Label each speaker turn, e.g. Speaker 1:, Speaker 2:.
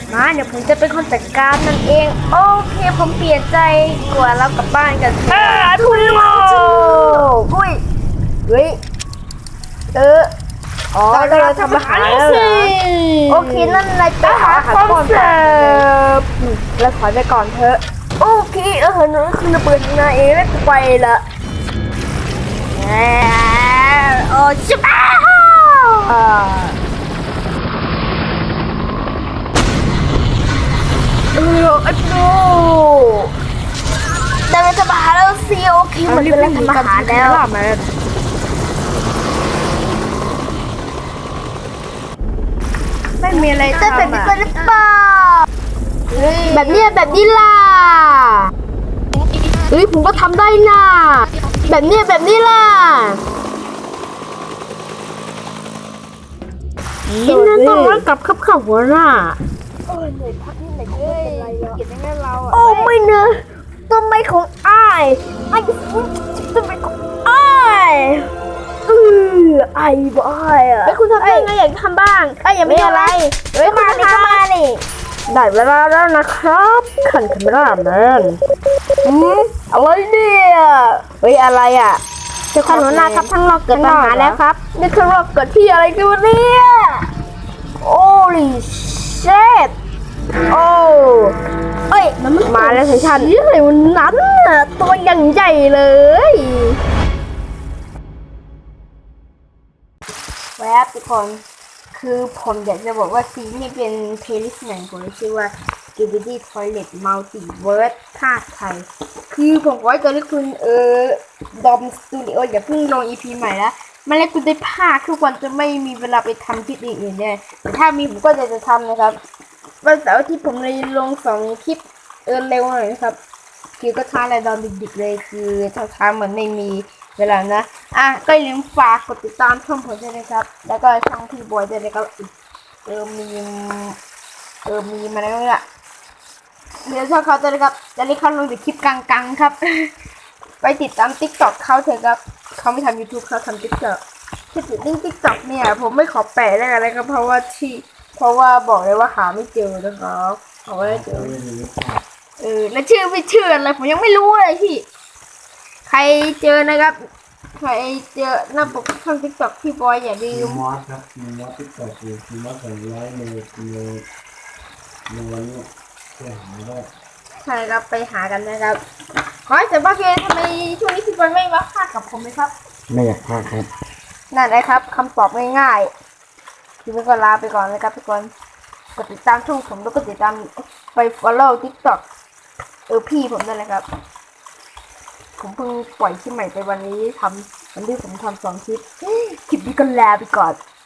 Speaker 1: มาเดี๋ยวผมจะเป็นคนจัดการมันเองโอเคผมเปลี่ยนใจกว่าเรากลับบ้านกันทุยโมอุ้ยเฮ้ยอ๋อเราทำอาหารแล้วเหรอโอเคนั่นนายไปหาอาหารก่อนเราถอยไปก่อนเถอะโอเคหนูคือระเบิดนายเองแล้วไปละโอ้ชิบะไอ้ปูแต่เราจะมาหาแล้วสิโอเคมันเป็นเรื่องทำอาหารแล้วไม่มีอะไรทำแบบนี้หรือเปล่าแบบนี้ล่ะเฮ้ยผมก็ทำได้น่ะแบบนี้ล่ะยินดีต้อนรับกลับขับหัวหน้าเหนื่อยพักนิดหน่อยก็ไม่เป็นไรแล้วเก็บได้เราโอ้ไม่เนอะต้นไม้ของอ้ายต้นไม้ของอ้ายไอ้บ้าอ่ะคุณทำได้ไงอยากทำบ้างยังไม่อะไรมาดิได้เวลาแล้วนะครับขันคาเมราแมนอะไรเนี่ยเฮ้ยอะไรอ่ะเจ้าของหัวหน้าครับทั้งเราเกิดปัญหาแล้วครับนี่คือเราเกิดที่อะไรกันวะเนี่ยโอ้ลิเชตโอ้เอ้ยมันมาแล้วสิฉันอะไรวันนั้นน่ะตัวยังใหญ่เลยแวบทุกคนคือผมอยากจะบอกว่าซีนี่เป็นเพลย์ลิสต์หนึ่งผมชื่อว่า Skibidi Toilet Multiverse ภาคไทยคือผมไว้ตอนนี้คุณดอมสตูดิโออย่าเพิ่งลง EP ใหม่แล้วมันแล้วคุณได้ภาคทุกวันจะไม่มีเวลาไปทำคลิปอื่นๆเนี่ยแต่ถ้ามีผมก็จะทำนะครับวันเสาร์ที่ผมเลยลง2 คลิปเร็วหน่อยนะครับคือก็ช้าและตอนดึกๆเลยคือช้าๆเหมือนไม่มีเวลานะก็อย่าลืมฝากกดติดตามช่องผมด้วยนะครับแล้วก็ช่องพี่บอยด้วยนะครับมีมาแล้วเนี่ยเดี๋ยวช่องเขาจะนะครับจะได้เข้าลงในคลิปกลางๆครับ ไปติดตาม TikTok เขาเถอะครับเขาไม่ทำ YouTube เขาทำ TikTok ที่ติดลิงก์ TikTok เนี่ยผมไม่ขอแปะได้อะไรครับเพราะว่าบอกเลยว่าหาไม่เจอนะครับเอาไว้เจอแล้วชื่อไม่ชื่ออะไรผมยังไม่รู้เลยพี่ใครเจอนะครับใครเจอหน้าปกช่อง TikTok พี่บอยอย่าลืม
Speaker 2: มอสครับมอส TikTok อยู่มอส200ในวันนี้ไปหาได้
Speaker 1: ใช่ครับไปหากันนะครับขอให้เสร็จบ้างเกทำไมช่วงนี้พี่บอยไม่มาพากกับผมเลยครับ
Speaker 2: ไม่อยากพลาดครับ
Speaker 1: นั่นนะครับคำตอบง่ายๆพี่ก็ลาไปก่อนนะครับทุกคนกดติดตามช่องผมแล้วก็ติดตามไป follow TikTok พี่ผมด้วยนะครับผมเพิ่งปล่อยคลิปใหม่ไปวันนี้วันที่ผมทำ2 คลิปนี้ก็ลาไปก่อน